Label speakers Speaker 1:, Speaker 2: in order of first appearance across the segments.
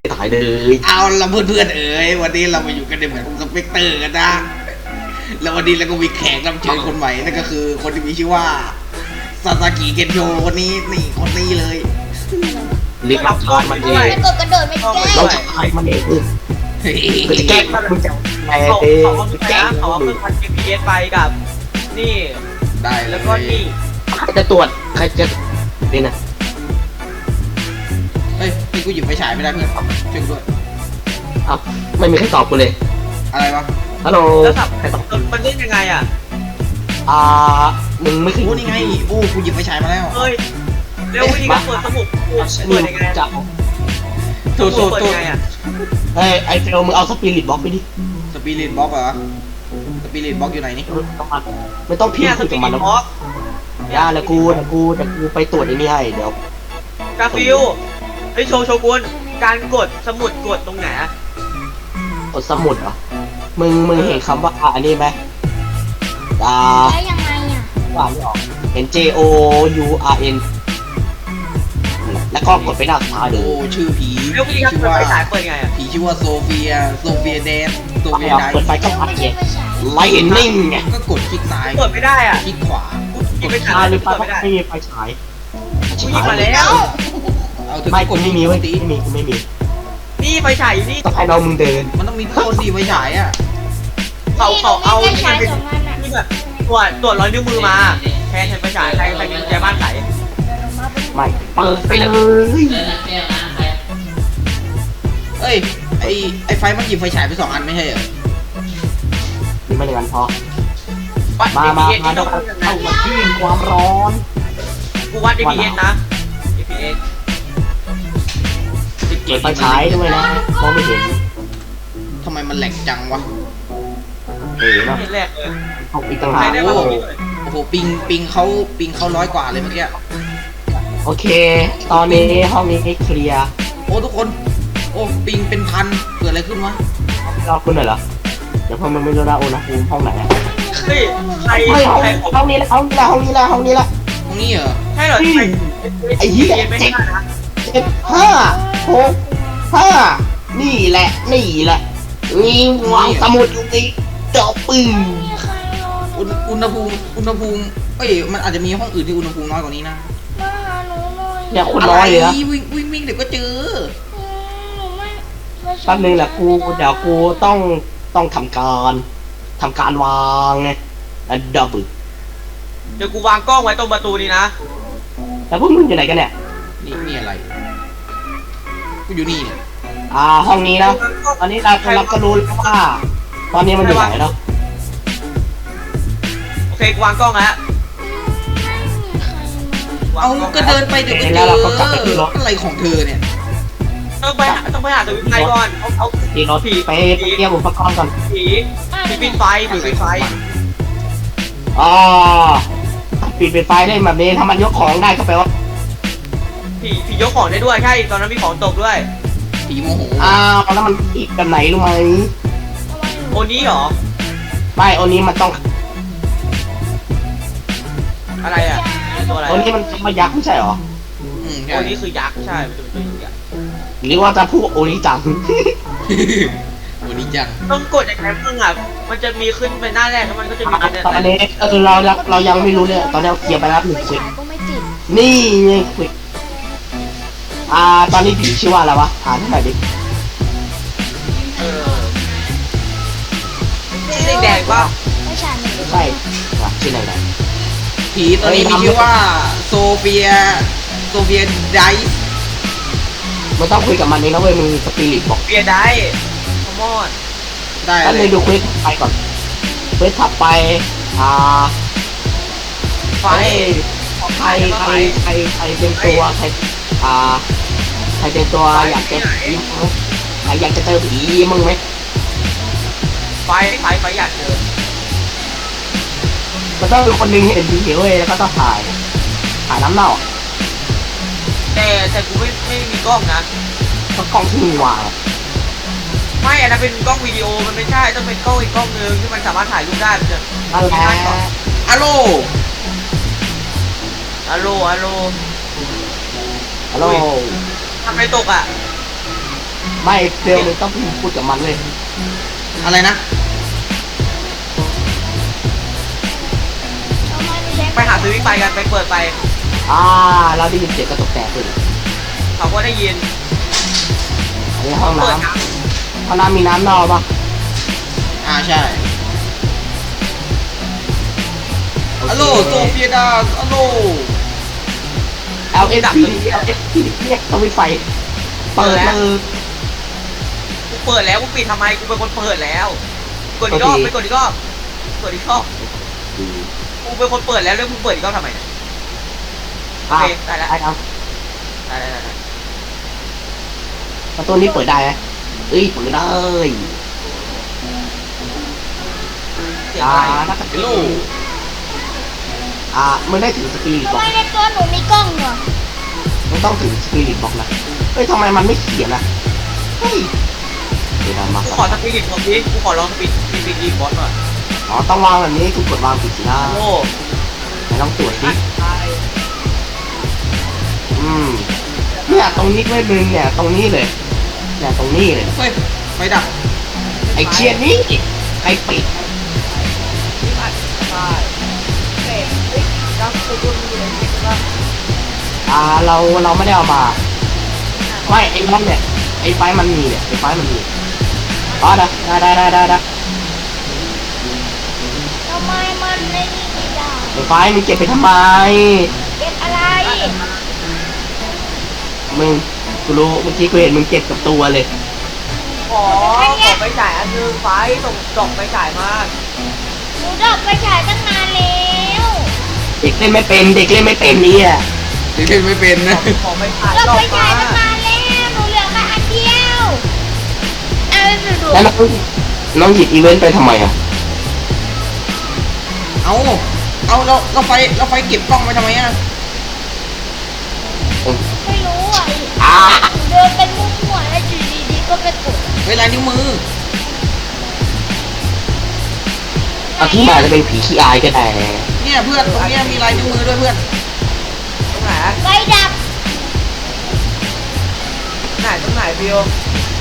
Speaker 1: ถ่ายเลย
Speaker 2: เอาละเพื่อนๆเอ๋ยวันนี้เรามาอยู่กันในเหมือนสเปกเตอร์กันนะแล้ววันนี้เราก็มีแขกรับเชิญคนใหม่นั่นก็คือคนที่มีชื่อว่าซาซากิเกนโชคนนี้นี่คนนี้เลย
Speaker 1: รีบรับทานมันเอง
Speaker 3: ไม่กดกระโดดไม่แก้
Speaker 1: เราจะถ่ายมันเองมึงจะแกล้งมึงจะแกล้ง
Speaker 4: เขา
Speaker 1: เอง
Speaker 4: เขา
Speaker 1: มึงจะแกล้
Speaker 4: นะ
Speaker 1: ง
Speaker 4: เขาเอาเครื่องวัด GPS ไปกับ นี่
Speaker 2: ได้แล้
Speaker 4: แล้ว ว
Speaker 2: ก็
Speaker 4: ก็นี่
Speaker 1: ใครจะตรวจใครจะนี่นะ
Speaker 2: เฮ้ยนี่กูหยิบไฟฉายไม่ได้เพื่อนช่วยกูด้วย
Speaker 1: เอ้าไม่มีใครตอบกูเลย
Speaker 2: อะไรวะ
Speaker 1: ฮัลโหล
Speaker 4: แล้วสับ
Speaker 1: ใครตอบ
Speaker 4: มันเล่นยังไงอ่ะ
Speaker 1: อ่ามึงไม่เคย
Speaker 2: โอ้นี่ไงโอ้กูหยิบไฟฉายมาแล้ว
Speaker 4: เฮ้ยเร็ววิธีการเปิดสมุดเปิดยังไง
Speaker 1: จะ
Speaker 4: สมุดเปิดยังไงอ่ะ
Speaker 1: เฮ้ยไอเฟลมึงเอาสปิริตบล็อกไปดิ
Speaker 2: สปิริตบ็อกเหรอสปิริตบ็อกอยู่ไหนนี่
Speaker 1: ไม่ต้องพิม
Speaker 4: เนี่ย
Speaker 1: พ์
Speaker 4: ส
Speaker 1: คุย
Speaker 4: ปี
Speaker 1: กับ
Speaker 4: ด
Speaker 1: มันแล้ว
Speaker 4: บล็อก
Speaker 1: ย่าแล้วกูไปตรวจไอ้นี่ให้เดี๋ยว
Speaker 4: กาฟิลไอโชว์โชกุนการกดสมุดกดตรงไหน
Speaker 1: กดสมุดเหรอมึงเห็นคำว่าอันนี้ไหมอ่า
Speaker 3: ได้ยังไงอ่ะ
Speaker 1: ว่าไม่ออกเห็น J O U R N แล้วก็กดไปหน้าสุดท้ายเล
Speaker 2: โอ้
Speaker 1: ย
Speaker 2: ชื่อผี
Speaker 4: เร็ววิธีการ
Speaker 2: ชื่อ
Speaker 4: เปิด
Speaker 2: ว่า
Speaker 4: ไฟฉายเปิดยังไงอ่ะ
Speaker 2: ผีชื่อว่าโซเฟียแดนโซเฟียได
Speaker 1: เปิดไฟก็
Speaker 3: แล้ว
Speaker 1: พัด
Speaker 3: ไม่
Speaker 1: ไง
Speaker 3: ใช่ไฟฉาย
Speaker 1: ไลนิ่งไง
Speaker 2: ก็กดคลิกซ้าย
Speaker 4: เปิดไม่ได้อ่ะ
Speaker 2: คลิกขวา
Speaker 4: ยิงไป
Speaker 1: อ่า
Speaker 4: ฉาย
Speaker 1: หรือไฟ
Speaker 4: เปิด
Speaker 1: ก็
Speaker 4: ไม่ได้
Speaker 1: ไม่มีไฟฉาย
Speaker 4: กูยิงมาแล้ว
Speaker 2: เอาถึง
Speaker 1: ไม่
Speaker 2: ก
Speaker 1: กู
Speaker 2: ด
Speaker 1: ไม่มี
Speaker 2: ไว้
Speaker 1: เว้ย
Speaker 2: ตี
Speaker 1: ไม่มี
Speaker 4: นี่ไฟฉายอยู่นี่
Speaker 1: ต้องให้น้องมึงเดิน
Speaker 2: มันต้องมีคนดีไฟฉายอ่ะ
Speaker 4: เขาเอา
Speaker 3: ไฟ
Speaker 4: ที่
Speaker 3: ฉา
Speaker 4: มัน
Speaker 3: ย
Speaker 4: เป็น
Speaker 3: สองอันอ่ะ
Speaker 4: ที่แบบตรวจรอยนิ้วมือมาแทนไฟฉายใครมีกุญแจบ้านใส่
Speaker 1: ไม่เปิดไปเลย
Speaker 2: เอ้ยไอไฟมันหยิบไฟฉายไป2 อันไม่ใช่เหรอ
Speaker 1: นี่ไม่อย่างนั้นพอ
Speaker 4: วัด
Speaker 1: มา
Speaker 4: DPS
Speaker 1: เข้ามาที่ความร้อน
Speaker 4: กูวัด DPS นะ DPS
Speaker 1: เปิดไฟฉายด้วยนะมองไม่เห็น
Speaker 2: ทำไมมันแหลกจังวะ
Speaker 1: เนาะ
Speaker 4: นี่แรกเลย
Speaker 1: เอาอีกต่างหา
Speaker 4: ใคร
Speaker 1: ก
Speaker 4: ได้
Speaker 1: โอ้
Speaker 4: มาบอกพี่หน่อย
Speaker 2: โอ้โหปิงเขา100 กว่าเลยเมื่อกี้
Speaker 1: โอเค ตอนนี้ห้องนี้เคลียร์
Speaker 2: โอ้ทุกคนโอ้ปิงเป็นพันเกิดอะไรขึ้นวะ
Speaker 1: รอคุณหน่อยเหรอเดี๋ยวพอมึงไม่รู้นะอุณหภูมิห้องไหนอะ
Speaker 4: เฮ้ยใคร
Speaker 1: เฮ้ย
Speaker 4: ใคร
Speaker 1: ห้องนี้ละห้องนี้ละห้องนี้ละห้องนี้ละ
Speaker 2: ตรงนี้เหรอ
Speaker 4: ใช่เหรอใคร
Speaker 1: ไอ้เหี้ย
Speaker 4: ไม่ได้นะ
Speaker 1: เจ็ดห้าหกห้านี่แหละนี่แหละนี่วางสมุดอยู่นี่เจาะปึ้ง
Speaker 3: มีใครรอหนู
Speaker 2: อุณหภูมิเอ้ยมันอาจจะมีห้องอื่นที่อุณหภูมิน้อยกว่านี้นะ
Speaker 3: มาหาหนูหน่อย
Speaker 1: เนี่ยคนน้อยเลยนะ
Speaker 2: วิ่งเดี๋ยวก็เจอ
Speaker 3: หนูไม่ไม่ใช่
Speaker 1: แป๊บนึงแหละกูเดี๋ยวกูต้องทำการวางไงดับเบิล
Speaker 4: เดี๋ยวกูวางกล้องไว้ตรงประตูนี้นะ
Speaker 1: แล้วพวกมึงอยู่ไหนกันเนี่ย
Speaker 2: นี่อะไรกูอยู่นี่เนี่ย
Speaker 1: ห้องนี้นะตอนนี้เราก็รู้แล้วว่า ตอนนี้มันอยู่ไหนแล้ว
Speaker 4: โอเคกูวางกล้องแล้ว
Speaker 3: ไม่มีใครมา
Speaker 2: เอาก็เดินไปเดี๋ยวก็เจออะไรของเธอเนี่ย
Speaker 4: ต้องไปหาสวิตช์ไฟก่อนเอา
Speaker 1: ตีรถไปเตรียมอุปกรณ์ก่อน
Speaker 4: ผีปิดไฟปิดไฟ
Speaker 1: อ๋อปิดไฟได้แบบนี้ถ้ามันยกของได้ก็แปลว่า
Speaker 4: ผียกของได้ด้วยใช่ตอนนั้นมีของตกด้วย
Speaker 2: ผีโมโห
Speaker 1: แล้วมันอีกกันไหนรู้ไหม
Speaker 4: โอนี้เหรอ
Speaker 1: ไม่อันนี้มันต้อง
Speaker 4: อะไรอ่ะตัวอะไร
Speaker 1: อันนี้มันมายักษ์ไม่ใช่หรอ
Speaker 2: ใช่
Speaker 4: โอนี้คือยักษ์ใช่มันจะเป็นตัวยักษ์
Speaker 1: หรือว่าจะพูดโอริจัง
Speaker 2: วันนี้จัง
Speaker 4: ต้องกดอย่างไรบ้างอ่ะมันจะมีขึ้นเป็นหน้าแรกแล้วมันก็จะมีเป็น
Speaker 1: ตอนนี้เรายังไม่รู้เลยตอนนี้เราเคลียร์ไปแล้วหนึ่ง
Speaker 3: ไฟ
Speaker 1: ควิก
Speaker 3: ฉายก็ไม่ติด
Speaker 1: นี่ไงควิกตอนนี้ผีชื่อว่าอะไรวะอ่านให้หน่อยดิ
Speaker 4: สีแดงป่ะ
Speaker 3: ไฟฉายไม่ติด
Speaker 1: ใช่ชื่ออะไรนะ
Speaker 2: ผีตัวนี้มีชื่อว่าโซเฟียไดส์
Speaker 1: ไม่ต้องคุยกับมันเองนะเว้ยมึงสปิริตบอก
Speaker 4: เบียร์ได้คอมอน
Speaker 2: ได้
Speaker 1: แล้ว
Speaker 2: เล
Speaker 1: เลย ยดูเควสไปก่อนเควสถัดไป
Speaker 4: ไฟ
Speaker 1: ใครเป็นตัวใครเป็นตัวอยากเจอผีมั้งใครอยากจะเจอผีมึงไหม
Speaker 4: ไฟอยากเจอ
Speaker 1: มันต้องเป็นคนหนึงเห็นผีเว้ยแล้วก็ต้องถ่ายน้ำเน่า
Speaker 4: แต่กูไม่มีกล้องนะ
Speaker 1: ก็กล้องที่มีวาง
Speaker 4: ไม่อันนั้นเป็นกล้องวิดีโอมันไม่ใช่ต้องเป็นกล้องอีกกล้องนึงที่มันสามารถถ่ายรูปได้มันจะ
Speaker 1: นั่นแหละ
Speaker 2: อะโล
Speaker 4: ฮัลโหล
Speaker 1: ฮัลโหล
Speaker 4: ทำไมตกอ่ะ
Speaker 1: ไม่เฟลมึงต้องพูดกับมันเลย
Speaker 2: อะไรนะ
Speaker 3: ทำไมหนูใช้
Speaker 4: ไปหาสวิตช์ไฟกันไปเปิดไฟ
Speaker 1: เราได้ยินเสียงกระตกแตกเลย
Speaker 4: เขาก็ได้ยิน
Speaker 1: อันนี้ห้อง
Speaker 4: เปิด
Speaker 1: น้ำ
Speaker 4: น้
Speaker 1: ห้องน้ำมีน้ำนอกปะ
Speaker 2: ใช่ฮัลโหลโซเฟียดาฮัลโหล
Speaker 1: LSP LSP เรียกสวิตช์ไฟเปิดเลย
Speaker 4: ำกูเปิดแล้วกูปิดทำไมกูเป็นคนเปิดแล้วกดอีกรอบไปกดอีกรอบกดอีกรอบกูเป็นคนเปิดแล้วแล้วมึงเปิดอีกรอบทำไมเนี่ยโอเคได้แล้ว
Speaker 1: ได้ครับ
Speaker 4: ได้
Speaker 1: ประตูนี้เปิดได้ไหมเอ้ยเปิดได้
Speaker 4: เสียงอะไร
Speaker 1: นักก
Speaker 2: ฮัลโหล
Speaker 1: มึงได้ถือสปิริต
Speaker 3: ทำ
Speaker 1: บล็
Speaker 3: ไม
Speaker 1: อก
Speaker 3: ในตัวหนูมีกล้องเหรอ
Speaker 1: มึงต้องถือสปิริตบล็อกนะเฮ้ยทำไมมันไม่เขียนอ่ะเฮ้ยเดี๋ยวมา
Speaker 4: กูขอสปิริตของพี่กูขอลองสปิริตบอสหน่อย
Speaker 1: ต้องวางแบบนี้กูกดวางผิดสินะ
Speaker 4: โอ้
Speaker 1: ไหนลองตรวจดิเนี่ยตรงนี้ไม่มึงเนี่ยตรงนี้เลยเนี่ยตรงนี้เลย
Speaker 2: เฮ้ยไฟดับ
Speaker 1: ไอ้เชียนี่ใครปิดเราไม่ได้เอามาไม่ไอ้นั่นเนี่ยไอ้ไฟมันมีเนี่ยไอ้ไฟมันมีได้
Speaker 3: ทำไมมันไม่มีไม่ได้
Speaker 1: ไอ้ไฟมึงเก็บไปทำไม
Speaker 3: เก็บอะไร
Speaker 1: มึงกูรู้เมื่อกี้กูเห็นมึงเก็บกับตัวเลย
Speaker 4: ขอไปจ่ายอันนึงไฟส่งจบไปจ่ายมา
Speaker 3: หนูดอกไปฉายตั้งนานแล้ว
Speaker 1: เด็กเล่นไม่เป็นเด็กเล่นไม่เป็นเนี่ย
Speaker 2: เด็กเล่นไม่เป็นนะ
Speaker 4: ขอไปจ่าย
Speaker 3: ดอก
Speaker 4: จบ
Speaker 3: ไป
Speaker 4: มา
Speaker 3: ฉายตั้งนานแล้วหนูเหลือแค่อันเดียวเอาไปดู
Speaker 1: แล้วน้องหยิบอีเวนต์ไปทำไมอ่ะ
Speaker 2: เอาเราไฟเก็บกล้องไปทำไมอ่ะ
Speaker 3: ไม่รู้อ่ะ
Speaker 1: อ่า
Speaker 3: หนูเดินเป็นมั่วๆแล้วอยู่ดีๆก็ไปกด
Speaker 2: เวลายนิ้วมือ
Speaker 1: เอาที่มาจะเป็นผีขี้อายก็ได้
Speaker 2: เนี่ยเพื่อนตรงเนี้ยมีลายนิ้วมือด้วยเพื่อน
Speaker 4: ตรงไหน
Speaker 3: ไฟดับ
Speaker 4: ตรงไหนบิว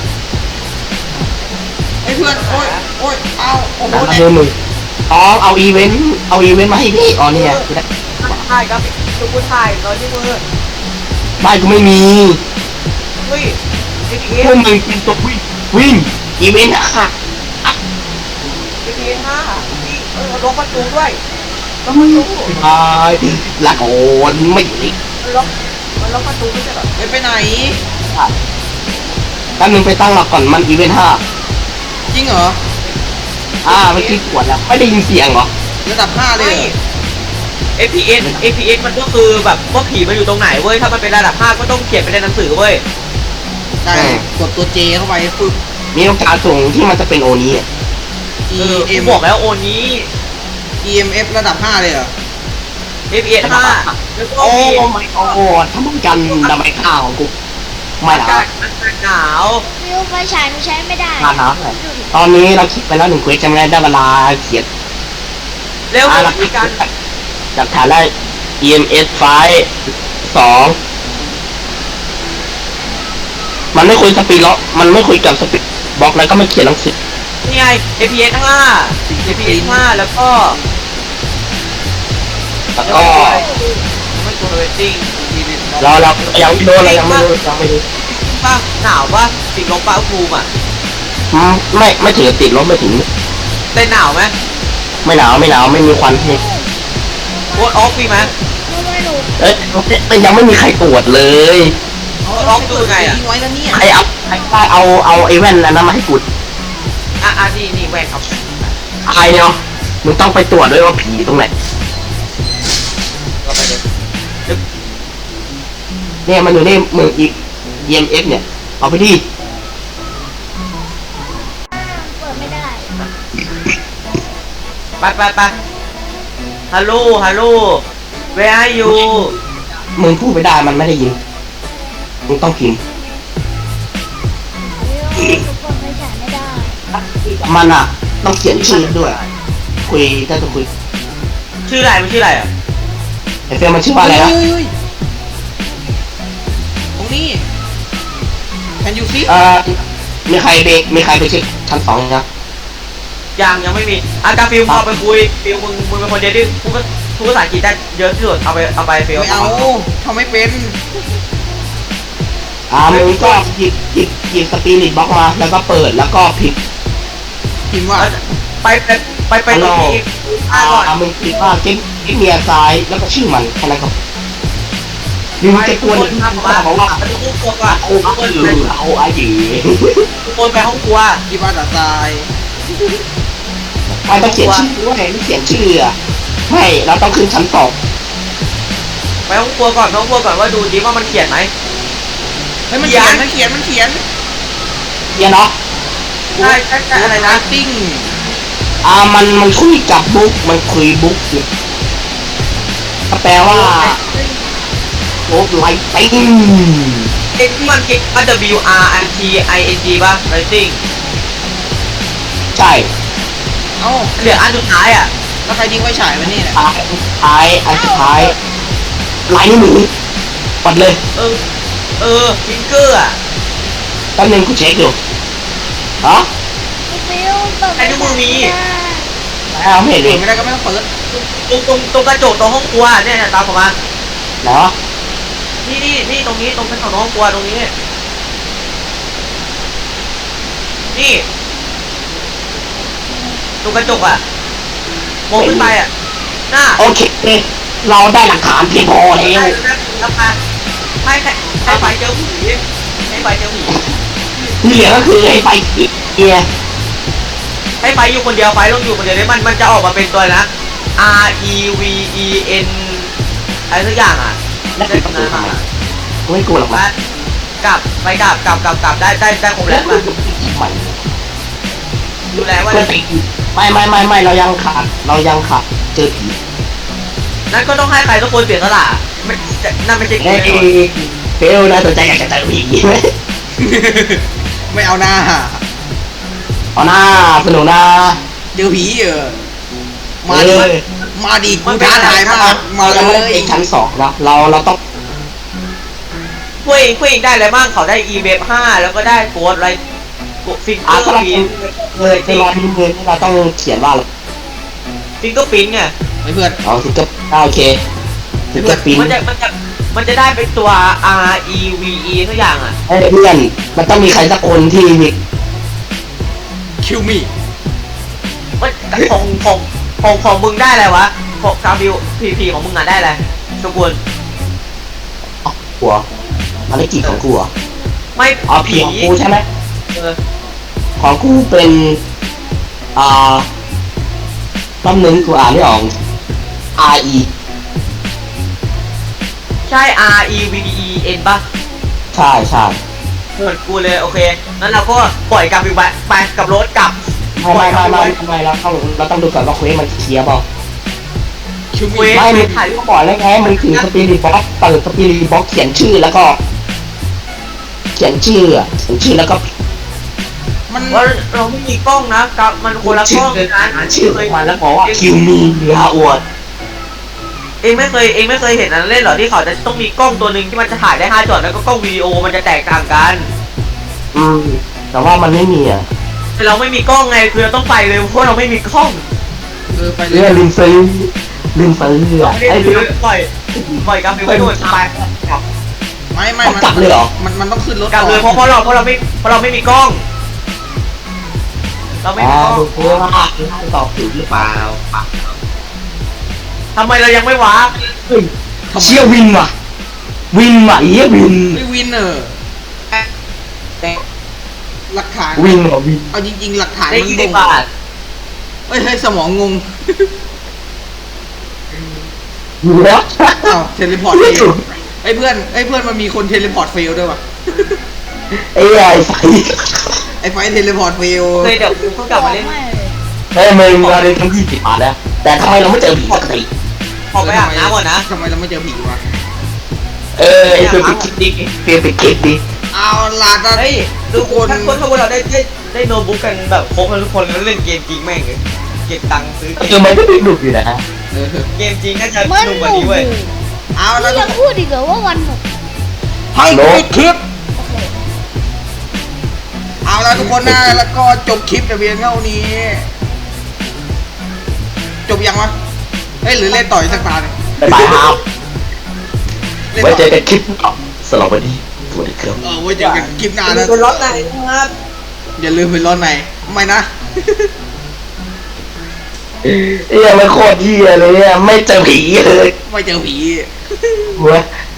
Speaker 2: ไอ้เพื่อนโอ้ยเอาโอ้โห
Speaker 1: แล้ว
Speaker 2: เนี่ย
Speaker 1: มือมึงเอาอีเวนต์มาให้พี่นี่ไง
Speaker 4: ถ่ายครับดูกูถ่ายน้อยที่มือ
Speaker 1: บ้านกูไม่มี
Speaker 4: เฮ้ยเอพี
Speaker 1: พวกมึงเป็นตัววิ่งอีเวนต์อะค่ะ
Speaker 4: ห้าล็อกประตูด้วย
Speaker 1: ก็ไม่ตายละโอนไม่หนี
Speaker 4: มันล็อกประตูไม่ใช่เหรอ
Speaker 2: ไปไหน
Speaker 1: แป๊บนึงไปตั้งหลักก่อนมันอีเวนต์
Speaker 2: จริงเหรอ
Speaker 1: เมื่อกี้กดแล้วไม่ได้ยินเสียงเหรอ
Speaker 2: ระดับ5เลยเหรอ
Speaker 4: FPS มันก็คือแบบว่าผีมันอยู่ตรงไหนเว้ยถ้ามันเป็นระดับ5ก็ต้องเขียนไปในหนังสือเว้ย
Speaker 2: ใช่กดตัว J เข้าไปฟึบ
Speaker 1: มีโอกาสสูงที่มันจะเป็นโอนี้
Speaker 4: กูบอกแล้วโอนี้
Speaker 2: EMF ระดับ5เลยเหรอ
Speaker 4: FPS 5แล้วก็
Speaker 1: โอ้
Speaker 4: มี
Speaker 1: ไม่โอ้ทำไมกันทำไมข้าวของกูไม่
Speaker 4: อา
Speaker 1: หนาก
Speaker 4: าศหนาว
Speaker 3: วิวไฟฉายหนูใช้ไม่ได้
Speaker 1: หนาวเลยตอนนี้เราคิดไปแล้ว1 เควสจำได้เวลาเขียน
Speaker 4: เร็วมีการ
Speaker 1: หลักฐานได้ EMS ไฟ2มันไม่คุยสปีดล็อกมันไม่คุยกับสปีดบล็อกแล้วก็ไม่เขียนหนังสือ
Speaker 4: นี่ไง FPS 5แล้วก็
Speaker 1: แล้วก็
Speaker 4: ไม่ตัวเรตติ้ง
Speaker 1: เรายังไม่รู้เรายังไม่รู้
Speaker 4: ป่ะหนาวป่ะติดลบป่ะภูมิอ่ะ
Speaker 1: ไม่ถึงติดลบไม่ถึง
Speaker 4: แต่หนาวไหม
Speaker 1: ไม่หนาวไม่มีควันนี่
Speaker 4: โคตรออฟมีไหม
Speaker 3: ทำไมหนู
Speaker 1: มันยังไม่มีใครตรวจเลย
Speaker 4: ล็อกดูไงอะ
Speaker 2: ทิ้งไว้แล้วเนี่ย
Speaker 1: ใครได้เอาไอ้แว่นอันนั้นมาให้กู
Speaker 4: นี่แหวนครับ
Speaker 1: ไอ้เนาะมึงต้องไปตรวจด้วยว่าผีตรงไหน
Speaker 4: ก็ไปเลย
Speaker 1: เนี่ยมันอยู่ในมืออี EMF เนี่ยเอาไปดิ
Speaker 3: เปิดไม่ได้
Speaker 4: ไปฮัลโหล where are you
Speaker 1: มึงพูดไม่ได้มันไม่ได้ยินมึงต้องพิมพ์
Speaker 3: วิวหนูเปิดไฟฉายไม่ได้
Speaker 1: มันอ่ะต้องเขียนชื่อด้วยคุยถ้าจะคุย
Speaker 4: ชื่ออะไรมันชื่ออะไรอ่ะ
Speaker 1: ไอ้เฟลมันชื่อว่าอะไรนะ
Speaker 2: เฮ้ยตรงนี้ Can you see
Speaker 1: มีใครไปเช็คชั้น2ยัง
Speaker 4: ยังไม่มีอากาฟิลพอไปคุยฟิลมึงเป็นคนเดียวที่พูดภาษาอังกฤษได้เยอะที่สุดเอาไปฟิล
Speaker 2: ไม่เอาทำไม่เป็น
Speaker 1: มึงก็หยิบสปิริตบล็อกมาแล้วก็เปิดแล้วก็พิมพ์
Speaker 2: พิมพ์ว่า
Speaker 4: ไปตรงนี้ก่อน
Speaker 1: มึงคิดว่าเก็บเมียซ้ายแล้วก็ชื่อมันแค่นั้นครับมึงจะกวน
Speaker 4: ทำมา
Speaker 1: บอกว่า
Speaker 4: ไปทุกคนก่อน
Speaker 1: เอาไอ้หยี
Speaker 4: ทุกคนไปห้องครัว
Speaker 2: อีบ้าตาตาย
Speaker 1: ไม่ต้องเขียนชื่อด้วยไม่เขียนชื่อไม่เราต้องขึ้นชั้น2
Speaker 4: ไปห้องครัวก่อนว่าดูดิว่ามันเขียนไหม
Speaker 2: เฮ้ยมันเขียน
Speaker 1: เนี่ยเนาะ
Speaker 4: ใช่อะไรนะ
Speaker 2: ติ้ง
Speaker 1: มันคุยกับบุ๊กมันคุยบุ๊กอยู่ก็แปลว่าโอ้ไลติ้ง
Speaker 4: เอ็กมันเก็บมัน WRITING ป่ะ writing
Speaker 1: ใช่
Speaker 2: เอ้า
Speaker 4: เหลืออันสุดท้ายอ่ะ
Speaker 2: แล้วใครทิ้งไว้ฉายไว้นี่เนี่ย
Speaker 1: อันสุดท้ายลายนิ้วมือปัดเลย
Speaker 4: ฟิงเกอร์อ่ะ
Speaker 1: แป๊บนึงกูเช็คอยู่ฮะ
Speaker 3: ฟิวเปิด
Speaker 4: ไอ้นิ้วมือมี
Speaker 1: ไม่เห็นเล
Speaker 2: เปิ
Speaker 1: ย
Speaker 2: ดไม่ได้ก็ไม่ต้องเปิด
Speaker 4: ตรงกระจกตรงห้องครัวเนี่ยตามผมมา
Speaker 1: เนาะ
Speaker 4: นี่ตรงนี้ตรงกระจกห้องครัวตรงนี้นี่ตรงกระจกอ่ะมองขึ้นไปอ่ะหน้า
Speaker 1: โอเคเราได้หลักฐานเพียงพอแล้ว
Speaker 4: แล้วมาให้ไฟเจอผีให้ไฟเจอผี
Speaker 1: ที่เหลือก็คือให้ไปเกียร์
Speaker 4: ให้ไฟอยู่คนเดียวไฟต้องอยู่คนเดียวได้มันจะออกมาเป็นตัวนะ REVEN อะไรสักอย่างอ่ะ
Speaker 1: และคือประตูทำไมไม่กลัวหรอกนะ
Speaker 4: กลับได้ครบแล้ว
Speaker 1: ใหม่
Speaker 4: ดูแลว่า
Speaker 1: ไม่เรายังขาดเจอผี
Speaker 4: นั่นก็ต้องให้ใครทุกคนเสียสละนั่นไม่ใช่กู
Speaker 1: เฮ้ย
Speaker 4: แน่นอน
Speaker 1: เฟลนะสนใจอยากจะเจอผีไหม
Speaker 2: ไม่เอาหน้า
Speaker 1: เอาหน้าสนุกนะ
Speaker 2: เจอผีมาดิมาดิกูท้าทายมากมา
Speaker 1: เรา
Speaker 2: เล
Speaker 1: ยังไม่ได้
Speaker 2: ย
Speaker 1: ไปชั้น2นะเราต้อง
Speaker 4: คุยเองได้อะไรบ้างเขาได้ e-web 5แล้วก็ได้โค้ดอะไรฟิงเกอร์
Speaker 1: ก็เรา
Speaker 4: พิน
Speaker 1: เลยไปรอที่มือเราต้องเขียนว่า
Speaker 4: ฟิงเกอร์พินไง
Speaker 2: เพื่อน
Speaker 1: เอาถึงจะโอเคถึงจะปิ้น
Speaker 4: มันจะได้เป็นตัว REVE ทุกอย่างอ่ะ
Speaker 1: เพื่อนมันต้องมีใครสักคนที่มี
Speaker 2: คิวมี่
Speaker 4: ว่าของมึงได้อะไรวะของกาบิวพีของมึงอ่ะได้อะไรสกุล
Speaker 1: หัวภารกิจของกูอ่ะ
Speaker 4: ไม่
Speaker 1: ผีของกูใช่ไหม
Speaker 4: เออ
Speaker 1: ของกูเป็นต้นนึงกูอ่านไม่ออก RE
Speaker 4: ใช่ REVEN ป่ะ
Speaker 1: ใช่ใช่
Speaker 4: เหมือนกูเลยโอเคนั้นเราก็ปล่อยกาบิวไปกับรถกลับ
Speaker 1: ไม่เราต้องดูก่อนว่าเควสมันเคลียร์เปล่า
Speaker 2: คิว
Speaker 4: เว้
Speaker 2: มี่
Speaker 4: ย
Speaker 1: ไม่มึงถ่ายรูปก่อนแล้วไงมึงถึงสปิริตบ็อกเปิดสปิริตบ็อกเขียนชื่อแล้วก็ เขียนชื่อแล้วก็
Speaker 2: มัน
Speaker 4: ว่าเราไม่มีกล้องนะกับมันคนละกล้องกัน
Speaker 1: ชื่อมันแล้วบอกว่าคิวมีลาอวด
Speaker 4: เองไม่เคยเห็นอันเล่นหรอที่เขาจะต้องมีกล้องตัวหนึ่งที่มันจะถ่ายได้5 จอแล้วก็กล้องวิดีโอมันจะแตกต่างกัน
Speaker 1: แต่ว่ามันไม่มีอ่ะ
Speaker 4: แต่เราไม่มีกล้องไงคือเราต้องไปเลยเพราะเราไม่มีกล้อง
Speaker 2: ไปเล
Speaker 1: เรื่อย ลืมซื้ออ่ะ
Speaker 4: ไม่ได้
Speaker 1: ไอ้
Speaker 4: ซื้
Speaker 1: เรื่
Speaker 4: อ
Speaker 1: อง
Speaker 4: ปล่อยกาฟิวไปโดนไปกลับ
Speaker 2: ไม่
Speaker 1: กลับเลยเหรอ
Speaker 2: มันต้องขึ้นรถ
Speaker 4: กลับเลยเพราะเราไม่มีกล้อง เราไม่มีกล้อง
Speaker 1: ดูเพื่อว่าตอบถูกหรือเปล่า
Speaker 4: ทำไมเรายังไม่ว้า
Speaker 1: เชี่ยวินว่ะเหี้ยวิน
Speaker 2: ไม่วินหลักฐาน
Speaker 1: วินเหรอวิน
Speaker 2: เอาจริงๆหลักฐาน
Speaker 4: ได้
Speaker 2: มัน
Speaker 4: 20 บาท
Speaker 2: เฮ้ยสมองงง
Speaker 1: อยู่แล้ว
Speaker 2: อ้าวเทเลพอร์ตเฟลไอ้เพื่อนมันมีคนเทเลพอร์ตเฟลด้วยวะ
Speaker 1: ไอ้ไฟ
Speaker 2: ไฟเทเลพอร์ตเฟล
Speaker 4: เคยเดี๋ยวกูเพิ่งกลับมาเล่น
Speaker 1: เฮ้ยมึงเราได้ทั้ง20 บาทแล้วแต่ทำไมเราไม่เจอผีสักที
Speaker 4: ขอไปอาบน้ำก่อนนะ
Speaker 2: ทำไมเราไม่เจอผีวะ
Speaker 1: ไอ้เพื่อนไปคิดดิ
Speaker 2: เอาล่ะตอน
Speaker 4: เฮ้ยทุกคนถ้าเราได้โน้ตบุ๊กกันแบบครบแล้วทุกคนแล้วเล่นเกมจริงแม่งเลยเก็บตังค์ซื้อเก
Speaker 1: คือ
Speaker 4: ม
Speaker 1: มันก็ดุอยู่นะ
Speaker 4: เกมจริงน่าจะ
Speaker 3: มัน
Speaker 4: สนุก
Speaker 3: ห
Speaker 4: กว่า
Speaker 3: นุ
Speaker 4: นี้
Speaker 3: ก
Speaker 4: เว้ย
Speaker 2: เอาแล้ว
Speaker 3: ยังพูดอีกเหรอว่าวันหนุก
Speaker 2: ให้ปิดคลิป
Speaker 3: โอเค
Speaker 2: เอาละแล้วทุกคนนะแล้วก็จบคลิปแต่เพียงเท่านี้ จบยังวะเฮ้ยหรือเล่นต่ออีกสักตาหนึ่ง
Speaker 1: บ๊ายบายครับ
Speaker 2: เล่น
Speaker 1: ไว้
Speaker 2: ต่อ
Speaker 1: เจอกันคลิปต่อสำหรับวันนี้สวัสดีครับ
Speaker 2: ไว้เจอกันคลิปหน้านะ
Speaker 4: เป็นรถไหนนะครับ
Speaker 2: อย่าลืมไปรถไหนไม่นะ
Speaker 1: เอ้ยมันโคตรเหี้ยเลยอ่ะไม่เจอผีเลย
Speaker 2: ไม่เจอผี
Speaker 1: เว้ย